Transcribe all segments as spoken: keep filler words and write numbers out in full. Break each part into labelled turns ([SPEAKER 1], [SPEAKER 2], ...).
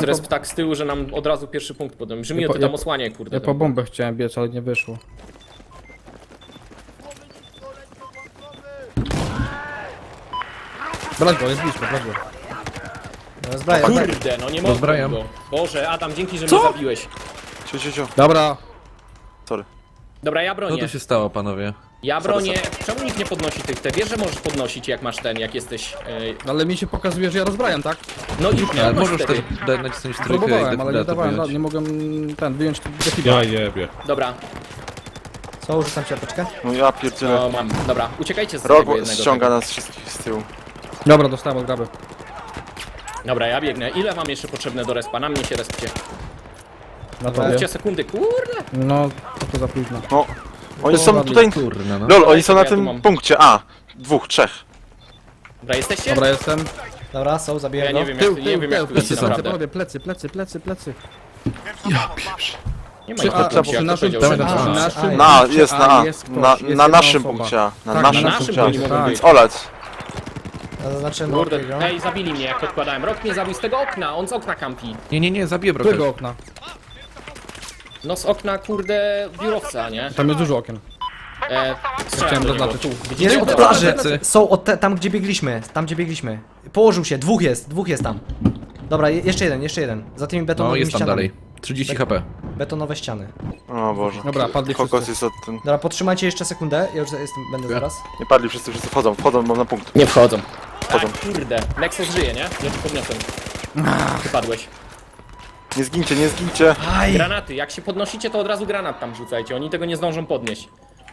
[SPEAKER 1] resp
[SPEAKER 2] po,
[SPEAKER 1] tak z tyłu, że nam od razu pierwszy punkt podam. Brzmi
[SPEAKER 2] Ja
[SPEAKER 1] to
[SPEAKER 2] po-
[SPEAKER 1] tam
[SPEAKER 2] ja-
[SPEAKER 1] osłanie, kurde.
[SPEAKER 2] ja po bombę chciałem biec, ale nie wyszło. Brać go, jest blisko, brać go.
[SPEAKER 3] Rozbraję.
[SPEAKER 1] Kurde, no nie mogę
[SPEAKER 4] Rozbrajam.
[SPEAKER 1] go. Boże, Adam, dzięki, że mnie zabiłeś.
[SPEAKER 5] Cio, cio, cio.
[SPEAKER 2] Dobra.
[SPEAKER 5] Sorry.
[SPEAKER 1] Dobra, ja
[SPEAKER 4] Co
[SPEAKER 1] bronię.
[SPEAKER 4] tu się stało, panowie?
[SPEAKER 1] Ja bronię. Czemu nikt nie podnosi tych te? Wiesz, że możesz podnosić jak masz ten, jak jesteś... Yy...
[SPEAKER 2] Ale mi się pokazuje, że ja rozbrajam, tak?
[SPEAKER 1] No i już
[SPEAKER 4] Ale
[SPEAKER 1] nie
[SPEAKER 4] możesz
[SPEAKER 1] wtedy.
[SPEAKER 4] też dać nacisnąć trójkę i
[SPEAKER 2] Próbowałem, ale nie
[SPEAKER 4] defibratu
[SPEAKER 2] dawałem,
[SPEAKER 4] wyjąć.
[SPEAKER 2] nie mogłem ten wyjąć defibratu.
[SPEAKER 6] Ja jebie.
[SPEAKER 1] Dobra,
[SPEAKER 3] Co, rzucam ci apteczkę?
[SPEAKER 5] No ja pierdzielę.
[SPEAKER 1] no mam. Dobra, uciekajcie z
[SPEAKER 5] Rok
[SPEAKER 1] tego jednego.
[SPEAKER 5] ściąga nas wszystkich z tyłu.
[SPEAKER 2] Dobra, dostałem od graby.
[SPEAKER 1] Dobra, ja biegnę. Ile mam jeszcze potrzebne do respa? Na mnie się respcie.
[SPEAKER 2] Na
[SPEAKER 3] Dobra.
[SPEAKER 2] tobie.
[SPEAKER 1] Mówcie sekundy, kurde.
[SPEAKER 2] No, to, to za późno.
[SPEAKER 5] No. Oni są tutaj...
[SPEAKER 4] Kurna, no.
[SPEAKER 5] Lol, oni są na
[SPEAKER 1] Ja tu
[SPEAKER 5] tym
[SPEAKER 1] mam.
[SPEAKER 5] punkcie A. Dwóch, trzech.
[SPEAKER 1] Dobra, jesteście?
[SPEAKER 2] Dobra, jestem.
[SPEAKER 3] Dobra, są, zabiję
[SPEAKER 1] Ja
[SPEAKER 3] go.
[SPEAKER 1] nie wiem
[SPEAKER 2] Tył,
[SPEAKER 1] jak, nie
[SPEAKER 2] tył,
[SPEAKER 1] wiem
[SPEAKER 2] tył,
[SPEAKER 1] jak tu
[SPEAKER 2] plecy
[SPEAKER 1] jest
[SPEAKER 2] są,
[SPEAKER 1] naprawdę.
[SPEAKER 2] panowie, plecy, plecy, plecy, plecy.
[SPEAKER 1] Nie ma
[SPEAKER 2] Przy
[SPEAKER 1] ich
[SPEAKER 2] A,
[SPEAKER 1] tu,
[SPEAKER 2] przy
[SPEAKER 1] jak to
[SPEAKER 2] naszym,
[SPEAKER 1] powiedział,
[SPEAKER 2] przy
[SPEAKER 1] że-
[SPEAKER 4] Dawaj,
[SPEAKER 1] A,
[SPEAKER 4] dawaj.
[SPEAKER 2] naszym
[SPEAKER 5] Na,
[SPEAKER 2] punkcie
[SPEAKER 5] jest na A.
[SPEAKER 2] jest ktoś,
[SPEAKER 5] Na,
[SPEAKER 2] jest
[SPEAKER 5] na
[SPEAKER 2] jedna
[SPEAKER 5] naszym
[SPEAKER 2] osoba.
[SPEAKER 5] punkcie A. Na
[SPEAKER 2] Tak,
[SPEAKER 5] naszym
[SPEAKER 1] na naszym
[SPEAKER 5] punkcie
[SPEAKER 1] punkcie
[SPEAKER 5] A.
[SPEAKER 1] mogą
[SPEAKER 2] tak.
[SPEAKER 1] być.
[SPEAKER 5] Olać.
[SPEAKER 3] Ja zaznaczyłem
[SPEAKER 1] Kurde,
[SPEAKER 3] Rokiego.
[SPEAKER 1] ej, zabili mnie jak odkładałem. Rok mnie zabił z tego okna, on z okna kampi.
[SPEAKER 4] Nie, nie, nie, zabiję
[SPEAKER 2] Którego
[SPEAKER 4] broker.
[SPEAKER 2] okna?
[SPEAKER 1] No z okna, kurde, biurowca, nie?
[SPEAKER 2] Tam jest dużo okien.
[SPEAKER 1] E, strzelam
[SPEAKER 2] Chciałem
[SPEAKER 1] do niego,
[SPEAKER 2] zaznaczyć.
[SPEAKER 1] tu. Widzicie?
[SPEAKER 3] Jest od
[SPEAKER 4] Dobra,
[SPEAKER 3] plaży.
[SPEAKER 4] plecy.
[SPEAKER 3] Są od te, tam, gdzie biegliśmy. Tam, gdzie biegliśmy. Położył się. Dwóch jest. Dwóch jest tam. Dobra, je, jeszcze jeden, jeszcze jeden. Za tymi
[SPEAKER 4] No,
[SPEAKER 3] betonowymi
[SPEAKER 4] jest tam
[SPEAKER 3] ścianami.
[SPEAKER 4] dalej. trzydzieści HP.
[SPEAKER 3] Betonowe ściany.
[SPEAKER 5] O Boże.
[SPEAKER 2] Dobra, padli
[SPEAKER 5] Kokos
[SPEAKER 2] wszyscy.
[SPEAKER 5] jest od ten...
[SPEAKER 3] Dobra, podtrzymajcie jeszcze sekundę. Ja już jestem, będę zaraz.
[SPEAKER 5] Nie padli wszyscy, wszyscy wchodzą. Wchodzą, mam na punkt.
[SPEAKER 1] Nie wchodzą.
[SPEAKER 5] Wchodzą.
[SPEAKER 1] A, kurde, Nexus żyje, nie? Ja ci podniosłem. Ty padłeś.
[SPEAKER 5] Nie zgincie, nie zgincie.
[SPEAKER 3] Aj!
[SPEAKER 1] Granaty, jak się podnosicie, to od razu granat tam rzucajcie, oni tego nie zdążą podnieść.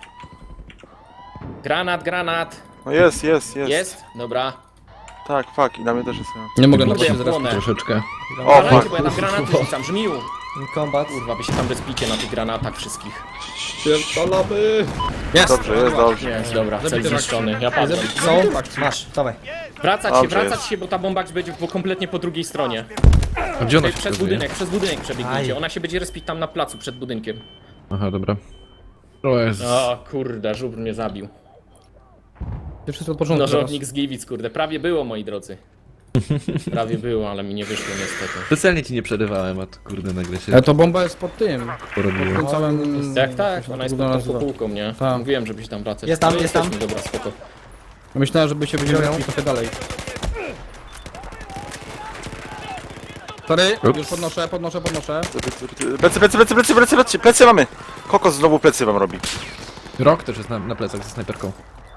[SPEAKER 1] Granat, granat.
[SPEAKER 5] No jest, jest, jest.
[SPEAKER 1] Jest? Dobra.
[SPEAKER 5] Tak, fuck. I na mnie też jest.
[SPEAKER 2] Nie mogę na
[SPEAKER 1] Kurde,
[SPEAKER 2] to
[SPEAKER 1] ja
[SPEAKER 2] się
[SPEAKER 1] płonę.
[SPEAKER 4] Troszeczkę.
[SPEAKER 5] O,
[SPEAKER 1] Granajcie,
[SPEAKER 5] fuck.
[SPEAKER 1] bo ja tam granaty rzucam, żmiu.
[SPEAKER 3] Combat.
[SPEAKER 1] Kurwa, wy się tam respicie na tych granatach wszystkich.
[SPEAKER 6] Pierdolamy!
[SPEAKER 2] Jest!
[SPEAKER 5] Dobrze, jest dobrze.
[SPEAKER 1] Jest, dobra, cel
[SPEAKER 2] Zabity
[SPEAKER 1] zniszczony, ja padłem.
[SPEAKER 3] Są? Masz, dawaj.
[SPEAKER 1] Wracać się,
[SPEAKER 5] Dobrze
[SPEAKER 1] wracać
[SPEAKER 5] jest.
[SPEAKER 1] się, bo ta bomba będzie po, kompletnie po drugiej stronie.
[SPEAKER 4] A gdzie ona
[SPEAKER 1] Tutaj
[SPEAKER 4] się
[SPEAKER 1] przez
[SPEAKER 4] pokazuje?
[SPEAKER 1] budynek, przez budynek przebiegnijcie.
[SPEAKER 3] Aj.
[SPEAKER 1] Ona się będzie respić tam na placu przed budynkiem.
[SPEAKER 4] Aha, dobra. O Jezus.
[SPEAKER 1] O kurde, żubr mnie zabił.
[SPEAKER 2] Ty wszystko od początku teraz.
[SPEAKER 1] Nożownik z Gliwic, kurde, prawie było, moi drodzy. Prawie było, ale mi nie wyszło niestety.
[SPEAKER 4] Specjalnie ci nie przerywałem, a to kurde nagle się
[SPEAKER 2] Ale to bomba jest pod tym.
[SPEAKER 4] porobiło.
[SPEAKER 2] Pod całym...
[SPEAKER 1] Tak, tak,
[SPEAKER 2] jak się
[SPEAKER 1] ona
[SPEAKER 2] to
[SPEAKER 1] jest
[SPEAKER 2] wygląda
[SPEAKER 1] pod tą
[SPEAKER 2] nazywa?
[SPEAKER 1] kopułką, nie?
[SPEAKER 2] Tak.
[SPEAKER 1] Mówiłem, żebyś tam wracać.
[SPEAKER 3] Jest tam,
[SPEAKER 1] Ale
[SPEAKER 3] jest tam.
[SPEAKER 1] jesteśmy, dobra, spoko.
[SPEAKER 2] Myślałem, żeby się będziemy
[SPEAKER 3] Wziąłem.
[SPEAKER 2] robić trochę dalej. Sorry,
[SPEAKER 4] Ups.
[SPEAKER 2] już podnoszę, podnoszę, podnoszę.
[SPEAKER 5] Plecy, plecy, plecy, plecy, plecy, plecy, plecy mamy. Kokos znowu plecy wam robi.
[SPEAKER 4] Rok też jest na, na plecach ze snajperką.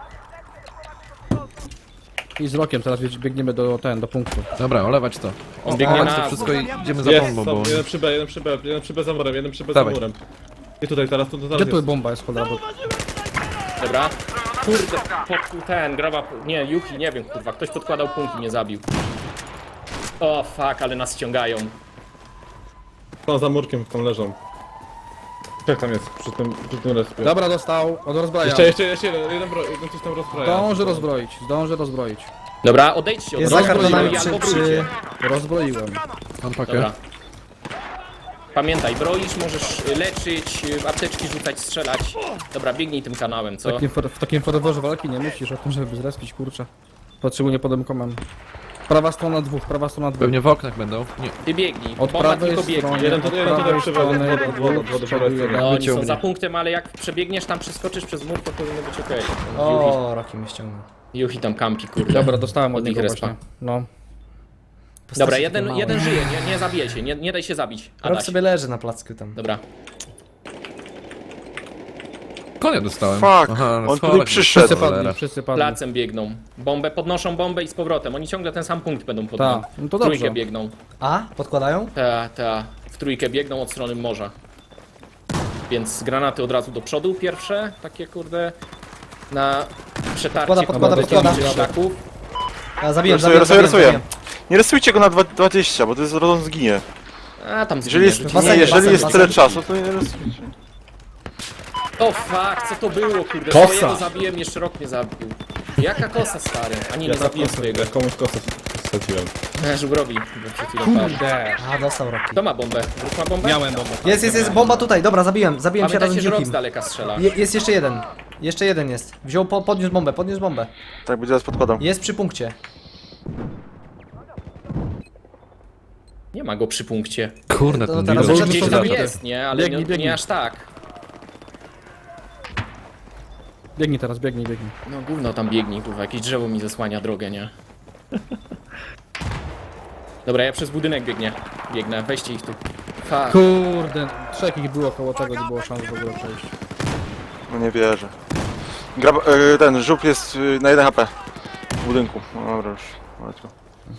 [SPEAKER 2] I z rokiem teraz biegniemy do ten, do punktu.
[SPEAKER 4] Dobra, olewać to.
[SPEAKER 1] On biegnie
[SPEAKER 4] Olewać to
[SPEAKER 1] na...
[SPEAKER 4] wszystko i idziemy za
[SPEAKER 6] Jest,
[SPEAKER 4] bombą,
[SPEAKER 6] są,
[SPEAKER 4] bo...
[SPEAKER 6] jeden przy B, jeden przy B, jeden przy B za murem, jeden przy B za
[SPEAKER 4] Dawaj.
[SPEAKER 6] murem. I tutaj teraz, to, to teraz
[SPEAKER 2] Gdzie tu
[SPEAKER 6] jest.
[SPEAKER 2] bomba jest, cholera? Bo...
[SPEAKER 1] Dobra. Kurde, pod ten, graba... Nie, Yuki, nie wiem, kurwa, ktoś podkładał punkt i mnie zabił. O, fuck, ale nas ściągają.
[SPEAKER 6] Są za murkiem, tam leżą. Jak tam jest, przy tym, przy tym respie.
[SPEAKER 2] Dobra, dostał, od rozbrajania.
[SPEAKER 6] Jeszcze, jeszcze, jeszcze jeden, jeden, bro, jeden coś tam rozpraja.
[SPEAKER 2] Zdążę rozbroić, zdążę rozbroić.
[SPEAKER 1] Dobra, odejdźcie od
[SPEAKER 3] Jest za
[SPEAKER 1] razu,
[SPEAKER 3] kartonami
[SPEAKER 1] albo
[SPEAKER 3] przy...
[SPEAKER 1] brójcie.
[SPEAKER 3] przy...
[SPEAKER 2] Rozbroiłem.
[SPEAKER 4] Mam pakę.
[SPEAKER 1] Dobra. Pamiętaj, broisz, możesz y, leczyć, y, apteczki rzucać, strzelać. Dobra, biegnij tym kanałem,
[SPEAKER 2] W
[SPEAKER 1] co?
[SPEAKER 2] takim, for- w takim ferworze walki nie myślisz o tym, żeby zrespić, kurczę. Potrzebuję podemkomem. Prawa strona dwóch, prawa strona dwóch.
[SPEAKER 4] Pewnie w oknach będą. Nie.
[SPEAKER 1] Ty biegnij,
[SPEAKER 2] Od
[SPEAKER 1] bomba
[SPEAKER 2] prawej
[SPEAKER 1] tylko
[SPEAKER 2] strony.
[SPEAKER 1] biegnie.
[SPEAKER 6] Jeden, to, jeden tutaj
[SPEAKER 2] prawej
[SPEAKER 6] przy B, od
[SPEAKER 2] strony,
[SPEAKER 6] wody, od wody, od wody,
[SPEAKER 2] dwóch,
[SPEAKER 6] po
[SPEAKER 2] jeden.
[SPEAKER 1] No, oni są
[SPEAKER 4] wyciągnie.
[SPEAKER 1] za punktem, ale jak przebiegniesz tam, przeskoczysz przez mur, to powinno być okej.
[SPEAKER 3] O, Roki mnie ściągnął.
[SPEAKER 1] Yuhi tam kampi, kurde.
[SPEAKER 2] Dobra, dostałem od
[SPEAKER 1] Od nich
[SPEAKER 2] niego
[SPEAKER 1] respa.
[SPEAKER 2] właśnie. No.
[SPEAKER 1] Dobra,
[SPEAKER 3] Postacie
[SPEAKER 1] jeden,
[SPEAKER 3] takie
[SPEAKER 1] jeden
[SPEAKER 3] małe.
[SPEAKER 1] żyje, nie, nie zabijaj się, nie, nie daj się zabić.
[SPEAKER 3] Rok
[SPEAKER 1] Adaś.
[SPEAKER 3] sobie leży na placku tam.
[SPEAKER 1] Dobra.
[SPEAKER 4] Konia dostałem.
[SPEAKER 5] Fuck,
[SPEAKER 4] Aha,
[SPEAKER 5] on
[SPEAKER 4] schodek.
[SPEAKER 5] tutaj przyszedł.
[SPEAKER 2] Wszyscy
[SPEAKER 4] Cholera.
[SPEAKER 2] padli, wszyscy padli.
[SPEAKER 1] Placem biegną. Bombę, podnoszą bombę i z powrotem. Oni ciągle ten sam punkt będą podnosić.
[SPEAKER 2] Tak, no to
[SPEAKER 1] Trójkę
[SPEAKER 2] dobrze.
[SPEAKER 1] biegną.
[SPEAKER 3] A? Podkładają?
[SPEAKER 1] Ta, ta. W trójkę biegną od strony morza. Więc granaty od razu do przodu pierwsze, takie kurde. Na przetarcie
[SPEAKER 3] Podkłada, podkłada,
[SPEAKER 1] kurde,
[SPEAKER 3] podkłada.
[SPEAKER 1] tych szlaków.
[SPEAKER 3] A, zabiłem,
[SPEAKER 5] Rysuję,
[SPEAKER 3] zabiłem,
[SPEAKER 5] rysuję,
[SPEAKER 3] zabiłem,
[SPEAKER 5] rysuję.
[SPEAKER 3] zabiłem.
[SPEAKER 5] Nie rysujcie go na dwa- dwadzieścia, bo to jest rodząc zginie.
[SPEAKER 1] A tam
[SPEAKER 5] Jeżeli jest,
[SPEAKER 1] zginie,
[SPEAKER 5] nie,
[SPEAKER 3] Basen,
[SPEAKER 5] jeżeli
[SPEAKER 3] basen,
[SPEAKER 5] jest
[SPEAKER 3] basen.
[SPEAKER 5] tyle czasu, to nie rysujcie.
[SPEAKER 1] O fuck, co to było, kurde?
[SPEAKER 6] Kosa.
[SPEAKER 1] Swojego zabiłem, jeszcze rok mnie zabił. Jaka kosa, stary? A nie,
[SPEAKER 6] Ja
[SPEAKER 1] nie
[SPEAKER 6] tam
[SPEAKER 1] zabiłem
[SPEAKER 6] kosę-
[SPEAKER 1] swojego.
[SPEAKER 6] ja komuś kosę straciłem.
[SPEAKER 1] E, Żubrowi, bo przed chwilą padł.
[SPEAKER 2] Kurde.
[SPEAKER 3] A, dostał Roki.
[SPEAKER 1] Kto ma bombę? Wróg ma bombę?
[SPEAKER 2] Miałem bombę.
[SPEAKER 3] Jest, jest, jest, bomba tutaj, dobra, zabiłem, zabiłem się razem
[SPEAKER 1] Pamiętajcie,
[SPEAKER 3] z
[SPEAKER 1] że rok z
[SPEAKER 3] Yukim.
[SPEAKER 1] daleka strzela.
[SPEAKER 3] Je, jest jeszcze jeden. Jeszcze jeden jest. Wziął, po, podniósł bombę, podniósł bombę.
[SPEAKER 5] Tak, będzie teraz podkładał.
[SPEAKER 3] Jest przy punkcie.
[SPEAKER 1] Nie ma go przy punkcie.
[SPEAKER 4] Kurde,
[SPEAKER 3] To
[SPEAKER 4] ten
[SPEAKER 3] teraz
[SPEAKER 4] Dino
[SPEAKER 3] Może
[SPEAKER 1] Gdzieś
[SPEAKER 3] to
[SPEAKER 1] tam
[SPEAKER 3] zacząć.
[SPEAKER 1] jest, nie? Ale
[SPEAKER 2] Biegnij,
[SPEAKER 1] nie,
[SPEAKER 2] biegnij.
[SPEAKER 1] nie aż tak.
[SPEAKER 2] Biegnij teraz, biegnij, biegnij.
[SPEAKER 1] No gówno tam biegnie, kurwa, jakieś drzewo mi zasłania drogę, nie? Dobra, ja przez budynek biegnie. Biegnę, weźcie ich tu. Fuck.
[SPEAKER 2] Kurde, trzech ich było koło tego, nie było szans w ogóle przejść.
[SPEAKER 5] No nie wierzę. Grab, e, ten żuk jest y, na jeden H P. W budynku. No dobra już. Łatwo.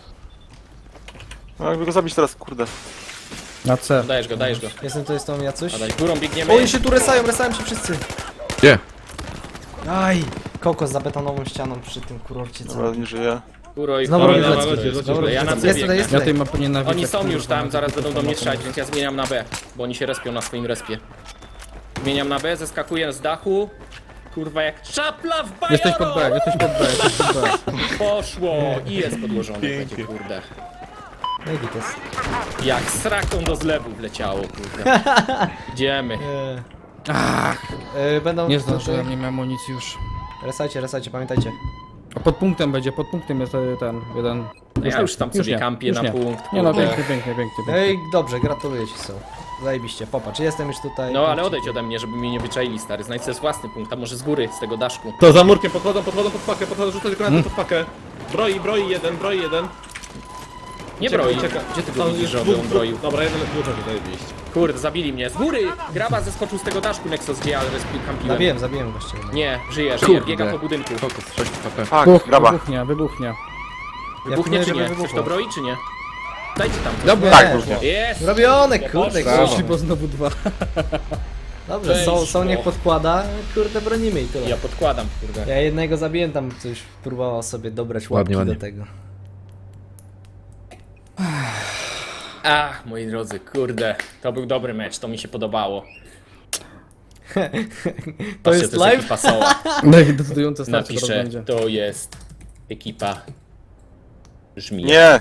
[SPEAKER 5] No jakby go zabić teraz, kurde.
[SPEAKER 2] Na C.
[SPEAKER 1] Dajesz go, dajesz go.
[SPEAKER 3] Jestem tu, jest tam Jacuś.
[SPEAKER 1] A daj, górą biegniemy.
[SPEAKER 3] O, oni się tu resają, resają się wszyscy.
[SPEAKER 4] Gdzie?
[SPEAKER 3] Aj, kokos za betonową ścianą przy tym kurorcie.
[SPEAKER 5] Dobra,
[SPEAKER 3] Co?
[SPEAKER 5] nie żyje.
[SPEAKER 1] Góro i
[SPEAKER 3] Znowu
[SPEAKER 1] góro,
[SPEAKER 3] robię
[SPEAKER 1] ja
[SPEAKER 3] lecki.
[SPEAKER 1] na-
[SPEAKER 6] Znowu
[SPEAKER 1] Dobra,
[SPEAKER 6] robię
[SPEAKER 1] ja na
[SPEAKER 6] lecki.
[SPEAKER 1] C
[SPEAKER 3] Jest tutaj,
[SPEAKER 1] biegnę.
[SPEAKER 3] jest
[SPEAKER 2] Ja
[SPEAKER 3] tutaj.
[SPEAKER 2] tej mapy nienawidzę.
[SPEAKER 1] Oni są
[SPEAKER 2] kurwa,
[SPEAKER 1] już tam,
[SPEAKER 2] na
[SPEAKER 1] zaraz
[SPEAKER 2] tym
[SPEAKER 1] będą do mnie
[SPEAKER 2] mapie.
[SPEAKER 1] strzelać, więc ja zmieniam na B. Bo oni się respią na swoim respie. Zmieniam na B, zeskakuję z dachu. Kurwa jak czapla w bajaro!
[SPEAKER 2] Jesteś pod B, jesteś pod B, jesteś pod B.
[SPEAKER 1] Poszło! I jest podłożony, będzie, kurde.
[SPEAKER 3] No i gites.
[SPEAKER 1] Jak sraką do zlewu wleciało, kurde. Idziemy.
[SPEAKER 3] Eee, e, będą...
[SPEAKER 2] Nie zdążyłem, nie miałem amunicji już.
[SPEAKER 3] Resajcie, resajcie, pamiętajcie.
[SPEAKER 2] A pod punktem będzie, pod punktem jest e, ten, jeden.
[SPEAKER 1] Ja już tam sobie
[SPEAKER 2] nie,
[SPEAKER 1] kampię
[SPEAKER 2] już
[SPEAKER 1] na
[SPEAKER 2] nie.
[SPEAKER 1] punkt.
[SPEAKER 2] Nie no,
[SPEAKER 1] kurde.
[SPEAKER 2] pięknie, pięknie, pięknie. pięknie.
[SPEAKER 3] Ej, dobrze, gratuluję ci są. Zajebiście, popatrz, jestem już tutaj.
[SPEAKER 1] No ale odejdź ode mnie, żeby mnie nie wyczaili, stary. Znajdź sobie własny punkt, a może z góry, z tego daszku.
[SPEAKER 6] To za murkiem podchodzą, podchodzą pod pakę, podchodzą, rzucać granaty pod pakę. Broi, broi jeden, broi jeden.
[SPEAKER 1] Nie
[SPEAKER 6] Ucieka,
[SPEAKER 1] broi.
[SPEAKER 6] ucieka.
[SPEAKER 1] Gdzie ty
[SPEAKER 6] No,
[SPEAKER 1] go widzisz,
[SPEAKER 6] jest
[SPEAKER 1] żeby
[SPEAKER 6] dwóch,
[SPEAKER 1] on
[SPEAKER 6] dwóch.
[SPEAKER 1] broił?
[SPEAKER 6] Dobra, jeden dużo tutaj iść.
[SPEAKER 1] Kurde, zabili mnie. Z góry! Graba zeskoczył z tego daszku, Nexus, gdzie ja respił kampiłem.
[SPEAKER 3] Zabiłem, zabiłem gościa.
[SPEAKER 1] Nie, żyje, żyje,
[SPEAKER 4] Kurde.
[SPEAKER 1] biega po budynku.
[SPEAKER 4] Kokos, sześć H P.
[SPEAKER 5] Fuck,
[SPEAKER 2] Wybuch,
[SPEAKER 5] graba.
[SPEAKER 2] wybuchnie, wybuchnie.
[SPEAKER 1] Wybuchnie
[SPEAKER 3] Ja
[SPEAKER 1] czy nie?
[SPEAKER 3] żeby
[SPEAKER 1] Ktoś
[SPEAKER 3] wybuchło.
[SPEAKER 1] to broi czy nie? Dajcie tam. coś.
[SPEAKER 2] Dobra,
[SPEAKER 5] Tak, wybuchnie.
[SPEAKER 1] Jest!
[SPEAKER 3] Robione,
[SPEAKER 1] Ja
[SPEAKER 3] kurde,
[SPEAKER 1] poszło.
[SPEAKER 2] Poszli, bo znowu dwa.
[SPEAKER 3] Dobrze, są, są niech
[SPEAKER 1] Weszło.
[SPEAKER 3] podkłada, kurde, bronimy i tyle.
[SPEAKER 1] Ja podkładam, kurde.
[SPEAKER 3] Ja jednego zabiłem, tam coś próbował sobie dobrać łapki
[SPEAKER 4] Ładnie, ładnie.
[SPEAKER 3] do tego.
[SPEAKER 1] Ach, moi drodzy, kurde. To był dobry mecz, to mi się podobało.
[SPEAKER 3] To
[SPEAKER 1] Patrzcie,
[SPEAKER 3] jest
[SPEAKER 1] to jest
[SPEAKER 3] live?
[SPEAKER 1] ekipa Soła.
[SPEAKER 2] No i decydujące starcie teraz
[SPEAKER 1] Napiszę,
[SPEAKER 2] będzie.
[SPEAKER 1] to jest ekipa Żmija.
[SPEAKER 5] Nie!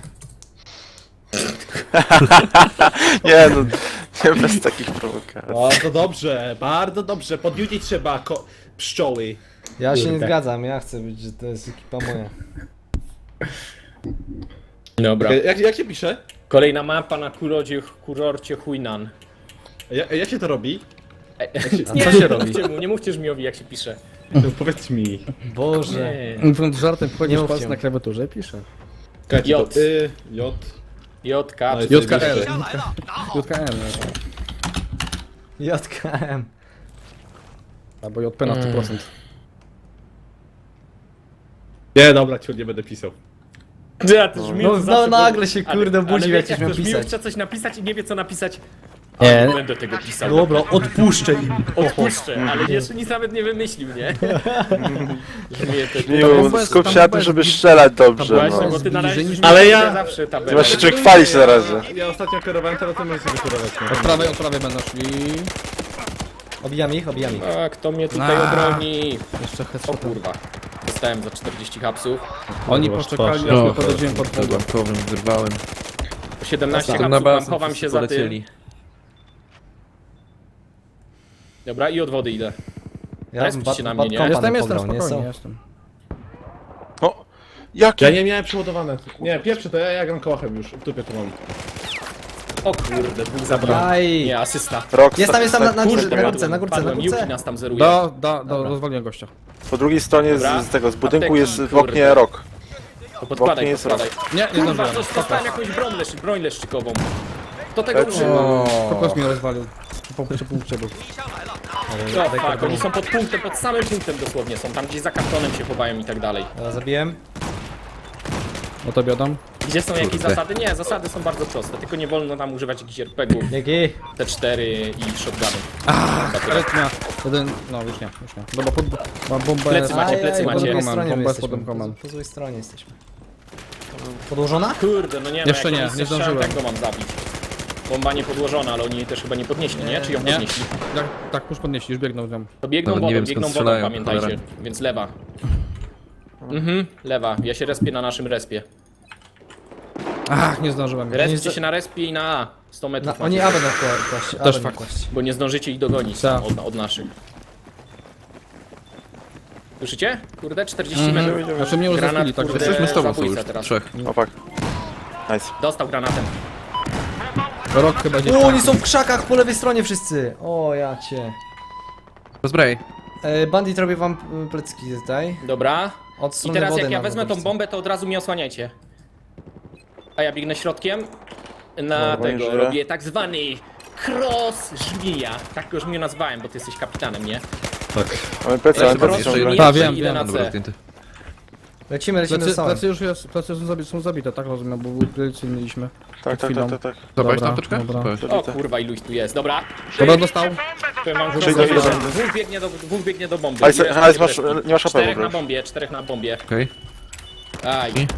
[SPEAKER 5] nie no, nie bez takich prowokacji.
[SPEAKER 6] Bardzo dobrze, bardzo dobrze. Podjudzić trzeba ko- pszczoły.
[SPEAKER 3] Ja się nie
[SPEAKER 1] Kurde.
[SPEAKER 3] zgadzam, ja chcę być, że to jest ekipa moja.
[SPEAKER 1] Dobra.
[SPEAKER 6] E, Jak, jak się pisze?
[SPEAKER 1] Kolejna mapa na kurodzie, kurorcie Huinan.
[SPEAKER 6] Jak, jak się to robi?
[SPEAKER 1] Nie,
[SPEAKER 3] co się
[SPEAKER 1] nie
[SPEAKER 3] robi?
[SPEAKER 1] mówcie mu, nie mówcie Żmijowi jak się pisze.
[SPEAKER 6] Powiedz mi.
[SPEAKER 3] Boże.
[SPEAKER 1] Nie.
[SPEAKER 2] Mówiąc żartem,
[SPEAKER 3] Nie
[SPEAKER 2] wchodzisz
[SPEAKER 3] mówcie
[SPEAKER 2] palc
[SPEAKER 3] mu.
[SPEAKER 2] na klawiaturze i pisze.
[SPEAKER 6] Czekajcie,
[SPEAKER 1] J.
[SPEAKER 6] to Y, J.
[SPEAKER 1] J K.
[SPEAKER 6] No i
[SPEAKER 2] J K L.
[SPEAKER 6] zajebiście.
[SPEAKER 2] J K N,
[SPEAKER 3] J K M.
[SPEAKER 2] albo J P na sto procent.
[SPEAKER 6] Nie, dobra, ciur, nie będę pisał.
[SPEAKER 1] Ja też Żmiju
[SPEAKER 3] No,
[SPEAKER 1] zawsze
[SPEAKER 3] no
[SPEAKER 1] był-
[SPEAKER 3] nagle się,
[SPEAKER 1] ale-
[SPEAKER 3] kurde,
[SPEAKER 1] ale
[SPEAKER 3] budził,
[SPEAKER 1] wiecie,
[SPEAKER 3] jak coś miał
[SPEAKER 1] to Żmiju
[SPEAKER 3] pisać.
[SPEAKER 1] chce coś napisać i nie wie co napisać.
[SPEAKER 2] Nie.
[SPEAKER 1] Nie będę tego pisał.
[SPEAKER 3] Dobra, odpuszczę im.
[SPEAKER 1] Odpuszczę, ale jeszcze nic nawet nie wymyślił, nie? Żmije to...
[SPEAKER 5] Miu, skup się na tym, żeby strzelać dobrze,
[SPEAKER 1] Właśnie,
[SPEAKER 5] no.
[SPEAKER 1] bo ty na razie
[SPEAKER 2] Zbliżeni-
[SPEAKER 1] Żmiju
[SPEAKER 6] Ale ja-
[SPEAKER 1] zawsze
[SPEAKER 5] Ty
[SPEAKER 1] tabelę.
[SPEAKER 5] masz się człowiek chwalić na razie.
[SPEAKER 6] Ja ostatnio kierowałem, teraz ty możesz sobie kierować. no.
[SPEAKER 2] Od prawej, od prawej będą szli.
[SPEAKER 3] Obijam ich, obijam ich.
[SPEAKER 1] A, kto mnie tutaj
[SPEAKER 2] A.
[SPEAKER 1] obroni?
[SPEAKER 2] Jeszcze
[SPEAKER 1] O
[SPEAKER 2] headshotem.
[SPEAKER 1] kurwa. Dostałem za czterdzieści hapsów.
[SPEAKER 2] Oni
[SPEAKER 6] Kurwa,
[SPEAKER 2] poczekali,
[SPEAKER 6] twarz.
[SPEAKER 2] aż my
[SPEAKER 4] No,
[SPEAKER 2] podchodziłem pod
[SPEAKER 4] pod
[SPEAKER 2] punkt.
[SPEAKER 4] bankowym wyrwałem.
[SPEAKER 1] siedemnaście
[SPEAKER 4] Tam na
[SPEAKER 1] hapsów, mam,
[SPEAKER 4] basen
[SPEAKER 1] chowam
[SPEAKER 4] wszyscy
[SPEAKER 1] się za tym.
[SPEAKER 4] polecieli.
[SPEAKER 1] Dobra, i od wody idę.
[SPEAKER 3] Ja
[SPEAKER 1] Respicie
[SPEAKER 3] bad,
[SPEAKER 1] na
[SPEAKER 3] bad
[SPEAKER 1] mnie, nie?
[SPEAKER 3] kompa
[SPEAKER 2] Jestem,
[SPEAKER 3] nie
[SPEAKER 2] jestem,
[SPEAKER 3] pobrał, nie
[SPEAKER 2] spokojnie,
[SPEAKER 3] są.
[SPEAKER 2] jestem.
[SPEAKER 5] O, jaki?
[SPEAKER 6] Ja nie miałem przeładowane. Nie, pierwszy to ja, ja gram kołachem już. W dupie to mam.
[SPEAKER 1] O kurde, dwóch zabrał.
[SPEAKER 3] Aj.
[SPEAKER 1] Nie, asysta.
[SPEAKER 5] Rockstar.
[SPEAKER 3] Jest tam, jest tam na, na górze,
[SPEAKER 1] Kurde,
[SPEAKER 3] na
[SPEAKER 1] padłem,
[SPEAKER 3] górce, na górce, na
[SPEAKER 1] padłem. Yuki
[SPEAKER 3] górce.
[SPEAKER 1] nas tam zeruje.
[SPEAKER 2] Do, do, do, rozwaliłem gościa.
[SPEAKER 5] Po drugiej stronie
[SPEAKER 1] Dobra.
[SPEAKER 5] z, z tego, z budynku
[SPEAKER 1] Apteki,
[SPEAKER 5] jest w
[SPEAKER 1] kurde.
[SPEAKER 5] oknie rok.
[SPEAKER 1] To podkładaj,
[SPEAKER 5] Bok nie jest
[SPEAKER 1] podkładaj.
[SPEAKER 2] Nie, nie
[SPEAKER 1] Kurwa,
[SPEAKER 2] zdążyłem.
[SPEAKER 1] coś dostałem jakąś broń, leszczy, broń leszczykową. Do tego użyłem.
[SPEAKER 2] Kokos mnie rozwalił. Po przy punkcie był.
[SPEAKER 1] No fuck, oni są pod punktem, pod samym punktem dosłownie są. Tam gdzieś za kartonem się chowają i tak dalej.
[SPEAKER 3] Dobra, zabiłem.
[SPEAKER 2] O tobie oddam.
[SPEAKER 1] Gdzie są jakieś
[SPEAKER 4] Kurde.
[SPEAKER 1] zasady? Nie, zasady są bardzo proste. Tylko nie wolno tam używać jakichś er pe gie ów,
[SPEAKER 3] Dzięki.
[SPEAKER 1] te cztery i shotgunów.
[SPEAKER 2] Karetnia. Jeden, no już nie, już nie. Dobra, pod, mam bombę.
[SPEAKER 1] Plecy macie,
[SPEAKER 3] Aj,
[SPEAKER 1] plecy
[SPEAKER 3] aj,
[SPEAKER 1] macie.
[SPEAKER 3] Po drugiej
[SPEAKER 2] Mam,
[SPEAKER 3] stronie my
[SPEAKER 2] bombę
[SPEAKER 3] jesteśmy.
[SPEAKER 2] pod domką mam.
[SPEAKER 3] Po, po złej stronie jesteśmy. Podłożona?
[SPEAKER 1] Kurde, no nie no,
[SPEAKER 2] Jeszcze
[SPEAKER 1] jak
[SPEAKER 2] nie,
[SPEAKER 1] oni
[SPEAKER 2] nie
[SPEAKER 1] strzelają,
[SPEAKER 2] zdążyłem.
[SPEAKER 1] tak go mam zabić. Bomba nie podłożona, ale oni jej też chyba nie podnieśli, nie? Czy ją
[SPEAKER 2] Nie.
[SPEAKER 1] podnieśli?
[SPEAKER 2] Tak, tak, już podnieśli, już biegną tam.
[SPEAKER 1] To biegną
[SPEAKER 4] Nawet nie
[SPEAKER 1] wodą,
[SPEAKER 4] wiem, skąd
[SPEAKER 1] biegną wodą,
[SPEAKER 4] strzelają,
[SPEAKER 1] pamiętajcie.
[SPEAKER 4] cholera.
[SPEAKER 1] Więc lewa. Mhm, lewa. Ja się respię na naszym respie.
[SPEAKER 2] Ach, nie zdążyłem.
[SPEAKER 1] Respcie się na respie i na A. sto metrów
[SPEAKER 3] Na,
[SPEAKER 1] macie.
[SPEAKER 3] oni aby na kła- kłaść.
[SPEAKER 2] Też
[SPEAKER 3] aby na
[SPEAKER 2] fakt.
[SPEAKER 3] kłaść.
[SPEAKER 1] Bo nie zdążycie ich dogonić
[SPEAKER 2] Tak.
[SPEAKER 1] od, od naszych. Słyszycie? Kurde, czterdzieści
[SPEAKER 2] Mhm.
[SPEAKER 1] metrów.
[SPEAKER 2] Znaczy mnie już
[SPEAKER 1] Granat,
[SPEAKER 2] zasłali, tak.
[SPEAKER 1] kurde.
[SPEAKER 2] że-
[SPEAKER 4] Jesteśmy z tobą, są
[SPEAKER 1] zabójca
[SPEAKER 4] już.
[SPEAKER 1] teraz.
[SPEAKER 4] Trzech.
[SPEAKER 5] Opak. Nice.
[SPEAKER 1] Dostał granatem.
[SPEAKER 2] Rok chyba gdzieś.
[SPEAKER 3] O, oni są w krzakach po lewej stronie wszyscy. O, ja cię.
[SPEAKER 4] Rozbraj.
[SPEAKER 3] E, bandit robię wam y, plecki tutaj.
[SPEAKER 1] Dobra.
[SPEAKER 3] Od
[SPEAKER 1] I
[SPEAKER 3] strony
[SPEAKER 1] teraz
[SPEAKER 3] wody
[SPEAKER 1] jak ja
[SPEAKER 3] na
[SPEAKER 1] wezmę tą
[SPEAKER 3] wodorce.
[SPEAKER 1] bombę, to od razu mnie osłaniajcie. A ja biegnę środkiem. Na
[SPEAKER 5] Dobra, nie
[SPEAKER 1] tego
[SPEAKER 5] żyję.
[SPEAKER 1] robię tak zwany cross żmija. Tak go już mnie nazwałem, bo ty jesteś kapitanem, nie?
[SPEAKER 6] Tak.
[SPEAKER 5] Mamy plecy, mamy
[SPEAKER 1] Cross
[SPEAKER 5] plecy
[SPEAKER 4] jeszcze
[SPEAKER 5] ciągle.
[SPEAKER 4] jeden.
[SPEAKER 2] A, wiem,
[SPEAKER 1] idę
[SPEAKER 2] wiem.
[SPEAKER 1] na
[SPEAKER 4] Dobra,
[SPEAKER 1] C.
[SPEAKER 4] zdjęty.
[SPEAKER 3] Lecimy, lecimy
[SPEAKER 2] Plecy,
[SPEAKER 3] do samym.
[SPEAKER 2] plecy już jest, plecy są zabite, są zabite, tak rozumiem, bo plecy mieliśmy.
[SPEAKER 5] Tak, tak, tak, tak, tak.
[SPEAKER 4] Zobacz
[SPEAKER 2] Dobra,
[SPEAKER 4] tam teczkę?
[SPEAKER 2] dobra.
[SPEAKER 4] Powiedz.
[SPEAKER 1] O kurwa, iluś tu jest. Dobra.
[SPEAKER 2] Dobra, dostał.
[SPEAKER 1] Powiem wam,
[SPEAKER 5] Przyjdę,
[SPEAKER 1] że
[SPEAKER 5] idę.
[SPEAKER 1] dwóch biegnie do, dwóch biegnie do bomby.
[SPEAKER 5] Hajs,
[SPEAKER 1] Ile
[SPEAKER 5] hajs,
[SPEAKER 1] macie
[SPEAKER 5] masz,
[SPEAKER 1] reszki?
[SPEAKER 5] nie masz H P w
[SPEAKER 1] Czterech na
[SPEAKER 5] ogóle.
[SPEAKER 1] bombie, czterech na bombie.
[SPEAKER 4] Okej.
[SPEAKER 1] Aj.
[SPEAKER 4] I?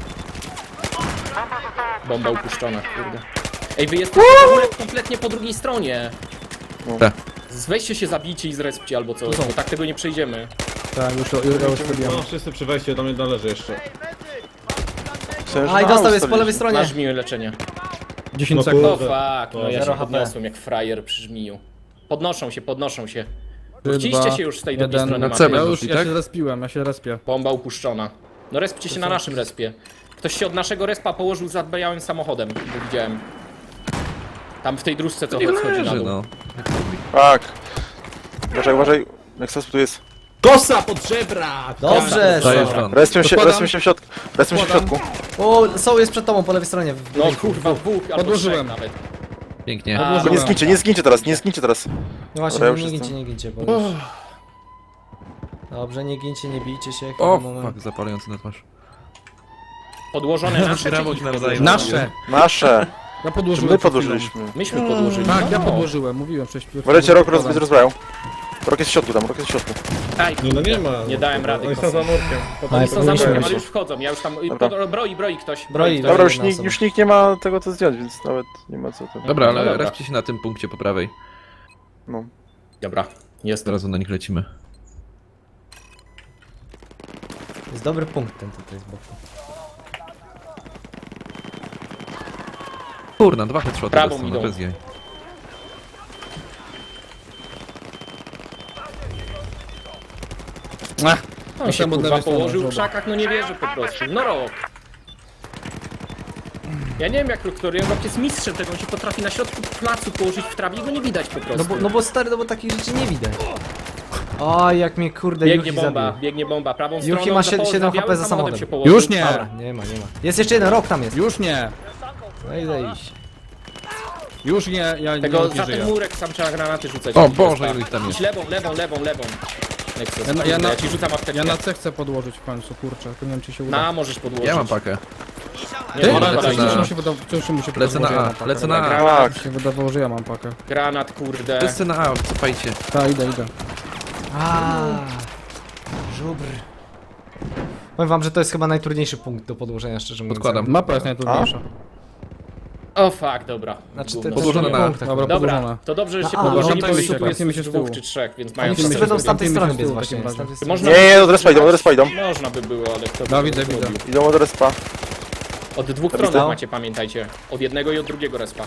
[SPEAKER 1] Bomba upuszczona, kurde. Ej, wy jesteście w ogóle kompletnie po drugiej stronie.
[SPEAKER 4] Tak.
[SPEAKER 1] Weźcie się, zabijcie i zrespcie albo coś, bo tak tego nie przejdziemy.
[SPEAKER 2] Tak, już, już, już zrobiłem.
[SPEAKER 6] No, wszyscy przy wejściu, do mnie należy jeszcze.
[SPEAKER 5] Myślałem, że
[SPEAKER 3] A i
[SPEAKER 5] na
[SPEAKER 3] dostał, jest po
[SPEAKER 5] ustawiliśmy.
[SPEAKER 3] lewej stronie.
[SPEAKER 1] Masz miłe leczenie.
[SPEAKER 2] dziesięć
[SPEAKER 6] No
[SPEAKER 2] sekund.
[SPEAKER 1] O
[SPEAKER 6] Kurde.
[SPEAKER 1] fuck, no ja
[SPEAKER 3] Zero
[SPEAKER 1] się
[SPEAKER 3] H P.
[SPEAKER 1] podniosłem jak frajer przy żmiju. Podnoszą się, podnoszą się.
[SPEAKER 2] Trzy,
[SPEAKER 1] Wróciliście
[SPEAKER 2] dwa,
[SPEAKER 1] się już z tej drugiej
[SPEAKER 2] jeden.
[SPEAKER 1] strony
[SPEAKER 4] Na C
[SPEAKER 1] mapy.
[SPEAKER 2] Ja
[SPEAKER 4] będą
[SPEAKER 2] już,
[SPEAKER 4] szli,
[SPEAKER 2] ja
[SPEAKER 4] tak?
[SPEAKER 2] się respiłem, ja się respię.
[SPEAKER 1] Bomba upuszczona. No respcie się na naszym respie. Ktoś się od naszego respa położył za białym samochodem, bo widziałem. Tam w tej dróżce co
[SPEAKER 4] Nie
[SPEAKER 1] schodzi na
[SPEAKER 4] leży,
[SPEAKER 1] dół.
[SPEAKER 4] no.
[SPEAKER 5] Tak. Uważaj, uważaj. Nexus tu jest.
[SPEAKER 6] Kosa pod żebra!
[SPEAKER 3] Dobrze,
[SPEAKER 4] Dajesz
[SPEAKER 3] dobra.
[SPEAKER 4] ran.
[SPEAKER 5] Respią się,
[SPEAKER 2] Podkładam.
[SPEAKER 5] respią się w środku. Respią się w środku.
[SPEAKER 3] O, są jest przed tobą po lewej stronie. w
[SPEAKER 1] No
[SPEAKER 3] budynku.
[SPEAKER 1] kurwa, dwóch albo
[SPEAKER 2] Podłożyłem.
[SPEAKER 1] trzech nawet.
[SPEAKER 4] Pięknie.
[SPEAKER 1] A,
[SPEAKER 5] Tylko nie zgincie, nie zgincie teraz, nie zgincie teraz.
[SPEAKER 3] No właśnie,
[SPEAKER 5] Dobra,
[SPEAKER 3] nie
[SPEAKER 5] już
[SPEAKER 3] gincie,
[SPEAKER 5] jestem.
[SPEAKER 3] nie gincie, bo już... Dobrze, nie gincie, nie bijcie się.
[SPEAKER 4] O,
[SPEAKER 3] chwilę, moment.
[SPEAKER 4] fuck, zapalający na twarz.
[SPEAKER 1] Podłożone nasze
[SPEAKER 4] Brawo,
[SPEAKER 1] czy ich
[SPEAKER 4] nawzajem.
[SPEAKER 1] podłożone?
[SPEAKER 2] Nasze!
[SPEAKER 5] Nasze.
[SPEAKER 2] Ja
[SPEAKER 5] Czy
[SPEAKER 2] podłożyłem.
[SPEAKER 5] my
[SPEAKER 2] przed chwilą.
[SPEAKER 5] podłożyliśmy?
[SPEAKER 1] Myśmy podłożyli.
[SPEAKER 2] Tak, ja
[SPEAKER 1] no.
[SPEAKER 2] podłożyłem, mówiłem wcześniej.
[SPEAKER 5] Uważajcie, rok roz, będzie rozbrajał. Rok jest w środku tam, rok jest w środku.
[SPEAKER 1] Aj,
[SPEAKER 6] Nie, no nie ma.
[SPEAKER 1] Nie dałem rady,
[SPEAKER 6] Oni są
[SPEAKER 1] kosy.
[SPEAKER 6] za murkiem.
[SPEAKER 1] Oni są za
[SPEAKER 3] Musimy
[SPEAKER 1] murkiem,
[SPEAKER 3] się.
[SPEAKER 1] ale już wchodzą. Ja już tam.
[SPEAKER 5] Dobra.
[SPEAKER 1] Pod, broi, broi ktoś.
[SPEAKER 3] Broi,
[SPEAKER 1] ktoś.
[SPEAKER 5] Dobra, już,
[SPEAKER 3] jedna
[SPEAKER 5] nikt-
[SPEAKER 3] osoba.
[SPEAKER 5] już nikt nie ma tego co zdjąć, więc nawet nie ma co to.
[SPEAKER 4] Dobra,
[SPEAKER 1] No
[SPEAKER 4] ale
[SPEAKER 1] dobra.
[SPEAKER 4] respcie się na tym punkcie po prawej.
[SPEAKER 5] No.
[SPEAKER 1] Dobra, jest.
[SPEAKER 4] Zaraz na nich lecimy.
[SPEAKER 3] Jest dobry punkt ten tutaj z boku.
[SPEAKER 4] Kurna, dwa headshoty
[SPEAKER 1] Prawą
[SPEAKER 4] dostał,
[SPEAKER 1] idą.
[SPEAKER 4] no bez jaj.
[SPEAKER 2] Ach,
[SPEAKER 1] On się
[SPEAKER 2] Potem od
[SPEAKER 1] kurwa
[SPEAKER 2] lewej strony,
[SPEAKER 1] położył w
[SPEAKER 2] żoba.
[SPEAKER 1] krzakach, no nie wierzę po prostu. No rok. Ja nie wiem jak Roktorian jest mistrzem tego, on się potrafi na środku placu położyć w trawie i go nie widać po prostu.
[SPEAKER 3] No bo, no bo stary, no bo takich rzeczy nie widać. O, jak mnie kurde
[SPEAKER 1] Biegnie
[SPEAKER 3] Yuki
[SPEAKER 1] bomba,
[SPEAKER 3] zabił.
[SPEAKER 1] biegnie bomba, prawą
[SPEAKER 3] Yuki
[SPEAKER 1] stroną
[SPEAKER 3] ma
[SPEAKER 1] za
[SPEAKER 3] siedem-
[SPEAKER 1] po-
[SPEAKER 3] siedem
[SPEAKER 1] białym
[SPEAKER 3] H P za
[SPEAKER 1] samochodem
[SPEAKER 3] samochodem.
[SPEAKER 1] się położył.
[SPEAKER 2] Już nie!
[SPEAKER 3] Dobra, nie ma, nie ma. Jest jeszcze jeden, rok tam jest.
[SPEAKER 2] Już nie!
[SPEAKER 3] No i zejść.
[SPEAKER 2] Już nie, ja
[SPEAKER 1] Tego
[SPEAKER 2] nie,
[SPEAKER 1] za
[SPEAKER 2] nie
[SPEAKER 1] ten
[SPEAKER 2] żyję.
[SPEAKER 1] murek sam trzeba granaty rzucać.
[SPEAKER 4] O
[SPEAKER 1] Jakiś
[SPEAKER 4] Boże,
[SPEAKER 1] respa.
[SPEAKER 4] ile ich tam jest.
[SPEAKER 1] Idź lewą, lewą, lewą, lewą. Nexus,
[SPEAKER 2] Ja na-
[SPEAKER 1] ja,
[SPEAKER 2] ja na-
[SPEAKER 1] ja ci rzucam apteczkę.
[SPEAKER 2] Ja na C chcę podłożyć w końcu, kurczę, tylko nie wiem czy się uda.
[SPEAKER 1] Na, możesz podłożyć.
[SPEAKER 4] Ja mam pakę.
[SPEAKER 1] Nie,
[SPEAKER 2] Ty?
[SPEAKER 1] nie,
[SPEAKER 4] Ona
[SPEAKER 1] nie,
[SPEAKER 4] lecę
[SPEAKER 1] nie,
[SPEAKER 4] na-
[SPEAKER 1] nie.
[SPEAKER 2] Wciąż mi się wydawało, wciąż mi się
[SPEAKER 4] Lecę na
[SPEAKER 2] wydawało, że ja
[SPEAKER 4] A,
[SPEAKER 2] mam pakę.
[SPEAKER 4] lecę na A.
[SPEAKER 1] Granat,
[SPEAKER 5] Tak.
[SPEAKER 2] Mi się wydawało, że ja mam pakę.
[SPEAKER 1] granat, kurde.
[SPEAKER 4] Wszyscy na A, cofajcie.
[SPEAKER 2] Tak, idę, idę.
[SPEAKER 3] A, żubr. Powiem wam, że to jest chyba najtrudniejszy punkt do podłożenia, szczerze mówiąc.
[SPEAKER 4] Podkładam.
[SPEAKER 2] Mapa jest najtrudniejsza.
[SPEAKER 1] O fuck, dobra.
[SPEAKER 3] Znaczy te,
[SPEAKER 1] Gówno.
[SPEAKER 3] te
[SPEAKER 4] Podłożone
[SPEAKER 3] drugi
[SPEAKER 4] na-
[SPEAKER 3] punkt, tak.
[SPEAKER 2] Dobra,
[SPEAKER 1] Dobra,
[SPEAKER 2] podłożone.
[SPEAKER 1] to dobrze, że się
[SPEAKER 3] A,
[SPEAKER 1] podłożyli,
[SPEAKER 2] no
[SPEAKER 1] bo
[SPEAKER 2] to
[SPEAKER 1] ich tu
[SPEAKER 2] czekaj,
[SPEAKER 1] jest
[SPEAKER 2] mi się z
[SPEAKER 1] dwóch
[SPEAKER 2] tyłu.
[SPEAKER 1] czy trzech, więc mają
[SPEAKER 3] Oni wszyscy
[SPEAKER 1] szansę.
[SPEAKER 3] będą z tamtej
[SPEAKER 2] Widzimy
[SPEAKER 3] strony
[SPEAKER 2] się
[SPEAKER 3] biec
[SPEAKER 2] z tyłu w
[SPEAKER 3] właśnie.
[SPEAKER 2] takim
[SPEAKER 3] z tamtej
[SPEAKER 2] razie.
[SPEAKER 3] strony.
[SPEAKER 1] Można
[SPEAKER 5] Nie, nie, od respa idą, od respa idą.
[SPEAKER 1] Można by było, ale kto by
[SPEAKER 2] No,
[SPEAKER 1] to
[SPEAKER 2] widzę,
[SPEAKER 1] zrobił?
[SPEAKER 2] widzę.
[SPEAKER 5] Idą od respa.
[SPEAKER 1] Od dwóch
[SPEAKER 5] Widzę.
[SPEAKER 1] stron macie, pamiętajcie. Od jednego i od drugiego respa.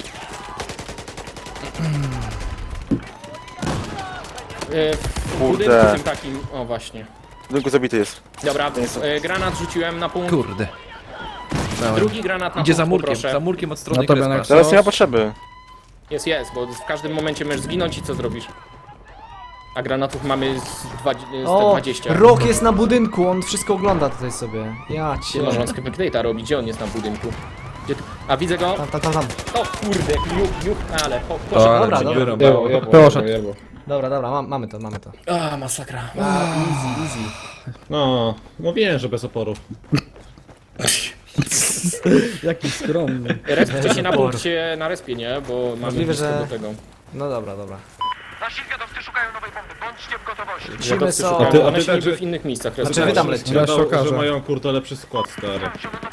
[SPEAKER 1] E, W budynku
[SPEAKER 5] Kurde.
[SPEAKER 1] tym takim, o właśnie.
[SPEAKER 5] W budynku zabity jest.
[SPEAKER 1] Dobra,
[SPEAKER 5] jest-
[SPEAKER 1] e, granat rzuciłem na punkt.
[SPEAKER 4] Kurde. Dałem.
[SPEAKER 1] Drugi granat na
[SPEAKER 4] Idzie
[SPEAKER 1] punkt,
[SPEAKER 4] za murkiem,
[SPEAKER 1] poproszę.
[SPEAKER 4] za murkiem od strony
[SPEAKER 2] No to
[SPEAKER 4] Krespa.
[SPEAKER 2] będę-
[SPEAKER 5] Teraz nie ma potrzeby.
[SPEAKER 1] Jest, jest, bo w każdym momencie możesz zginąć i co zrobisz? A granatów mamy z dwa- z
[SPEAKER 3] O,
[SPEAKER 1] dwadzieścia.
[SPEAKER 3] rok jest na budynku, on wszystko ogląda tutaj sobie. Ja
[SPEAKER 1] Nie
[SPEAKER 3] cię.
[SPEAKER 1] może on spectate'a robi, gdzie on jest na budynku? Gdzie ty... A widzę go.
[SPEAKER 3] Tam, tam, tam, tam.
[SPEAKER 1] O kurde, juk, juk, ale po,
[SPEAKER 4] O,
[SPEAKER 1] poszedł.
[SPEAKER 4] ale
[SPEAKER 3] dobra,
[SPEAKER 1] czy nie?
[SPEAKER 3] dobra.
[SPEAKER 6] Jebło, jebło,
[SPEAKER 2] Poszedł.
[SPEAKER 6] jebło, jebło.
[SPEAKER 3] Dobra, dobra, mam, mamy to, mamy to.
[SPEAKER 1] A, masakra.
[SPEAKER 3] A, easy, easy.
[SPEAKER 6] No, mówiłem, że bez oporu.
[SPEAKER 2] Jaki skromny.
[SPEAKER 1] Respcie się na punkcie, na respie, nie? Bo mamy
[SPEAKER 3] Możliwe,
[SPEAKER 1] blisko
[SPEAKER 3] że-
[SPEAKER 1] do tego.
[SPEAKER 3] No dobra, dobra.
[SPEAKER 7] Nasi zwiadowcy szukają nowej bomby. Bądźcie w gotowości.
[SPEAKER 3] Lecimy
[SPEAKER 1] Zwiadowcy
[SPEAKER 3] są.
[SPEAKER 1] szukają,
[SPEAKER 6] A ty- a
[SPEAKER 1] one
[SPEAKER 6] ty
[SPEAKER 1] się
[SPEAKER 6] tak,
[SPEAKER 1] niby
[SPEAKER 6] że-
[SPEAKER 1] w innych miejscach
[SPEAKER 3] Znaczy
[SPEAKER 1] respią.
[SPEAKER 3] wy tam lecicie.
[SPEAKER 2] Zaraz się
[SPEAKER 6] Gadał,
[SPEAKER 2] okaże.
[SPEAKER 6] że mają kurde lepszy skład, stary.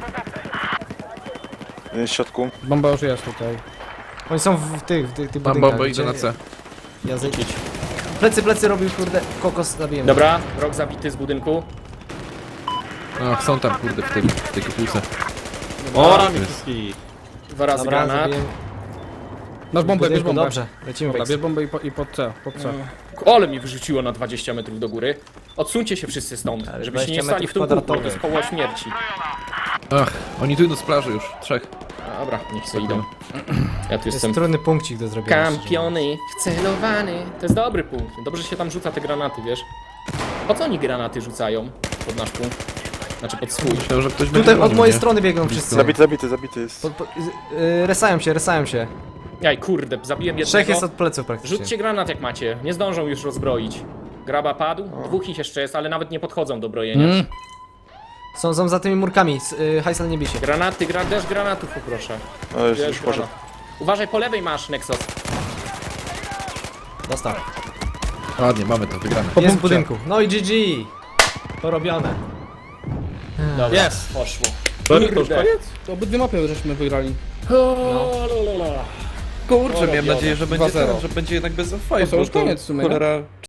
[SPEAKER 5] Jest w środku.
[SPEAKER 2] Bomba już jest tutaj.
[SPEAKER 3] Oni są w tych, w tych, tych
[SPEAKER 4] Mam
[SPEAKER 3] budynkach.
[SPEAKER 4] bombę, idę na
[SPEAKER 3] gdzie-
[SPEAKER 4] C.
[SPEAKER 3] Ja zejdę. Plecy, plecy robił, kurde, kokos zabiję.
[SPEAKER 1] Dobra, rok zabity z budynku.
[SPEAKER 4] O, są tam kurde w tym, w tej kopułce.
[SPEAKER 6] O, ramię wszystkich.
[SPEAKER 1] Dwa razy
[SPEAKER 3] Dobra,
[SPEAKER 1] granat.
[SPEAKER 3] zabiję.
[SPEAKER 2] Masz bombę, bierz
[SPEAKER 3] Budynku,
[SPEAKER 2] bombę.
[SPEAKER 3] Dobrze, lecimy
[SPEAKER 2] Dobra,
[SPEAKER 3] Wex.
[SPEAKER 2] bierz bombę i, po, i pod C, pod C.
[SPEAKER 1] Ale mi wyrzuciło na dwadzieścia metrów do góry. Odsuńcie się wszyscy stąd,
[SPEAKER 3] Ale
[SPEAKER 1] żebyście nie
[SPEAKER 3] dwadzieścia
[SPEAKER 1] stali w tym
[SPEAKER 3] metrów
[SPEAKER 1] kółku, to jest
[SPEAKER 3] kwadratowych.
[SPEAKER 1] koło śmierci.
[SPEAKER 4] Ach, oni tu idą z plaży już, trzech.
[SPEAKER 1] Dobra, niech sobie idą. Ja tu
[SPEAKER 3] Jest
[SPEAKER 1] jestem
[SPEAKER 3] trudny punkcik do zrobienia.
[SPEAKER 1] kampiony, wcelowany. To jest dobry punkt. Dobrze się tam rzuca te granaty, wiesz? Po co oni granaty rzucają pod nasz punkt? Znaczy pod swój.
[SPEAKER 4] Myślałem, że ktoś będzie
[SPEAKER 3] Tutaj od
[SPEAKER 4] bronił,
[SPEAKER 3] mojej
[SPEAKER 4] nie?
[SPEAKER 3] strony biegną wszyscy.
[SPEAKER 5] Zabity, zabity, zabity jest.
[SPEAKER 3] Po, po, y, resają się, resają się.
[SPEAKER 1] Jaj, kurde, zabiłem jednego.
[SPEAKER 3] Trzech jest od pleców praktycznie.
[SPEAKER 1] Rzućcie granat jak macie. Nie zdążą już rozbroić. Graba padł, dwóch ich jeszcze jest, ale nawet nie podchodzą do brojenia.
[SPEAKER 2] Mm.
[SPEAKER 3] Są, są za tymi murkami. S- Y, Hajsel nie bij się.
[SPEAKER 1] Granaty, gra, deszcz granatów poproszę.
[SPEAKER 5] O, już,
[SPEAKER 1] Deszcz
[SPEAKER 5] już poszedł.
[SPEAKER 1] granat. Uważaj, po lewej masz, Nexus.
[SPEAKER 3] Dostał.
[SPEAKER 4] Ładnie, mamy to, wygrane.
[SPEAKER 3] Jest w budynku. No i G G. Porobione.
[SPEAKER 1] Dobra, yes. Poszło.
[SPEAKER 6] To, to już
[SPEAKER 1] Kurde.
[SPEAKER 6] koniec?
[SPEAKER 2] To obydwie mapy żeśmy wygrali.
[SPEAKER 1] O, la, la, la.
[SPEAKER 4] Kurczę, miałem
[SPEAKER 1] Porobione.
[SPEAKER 4] nadzieję, że będzie,
[SPEAKER 2] dwa zero.
[SPEAKER 4] ten, że będzie jednak bez
[SPEAKER 2] To
[SPEAKER 4] fight,
[SPEAKER 2] są już koniec w sumie, nie?
[SPEAKER 4] cholera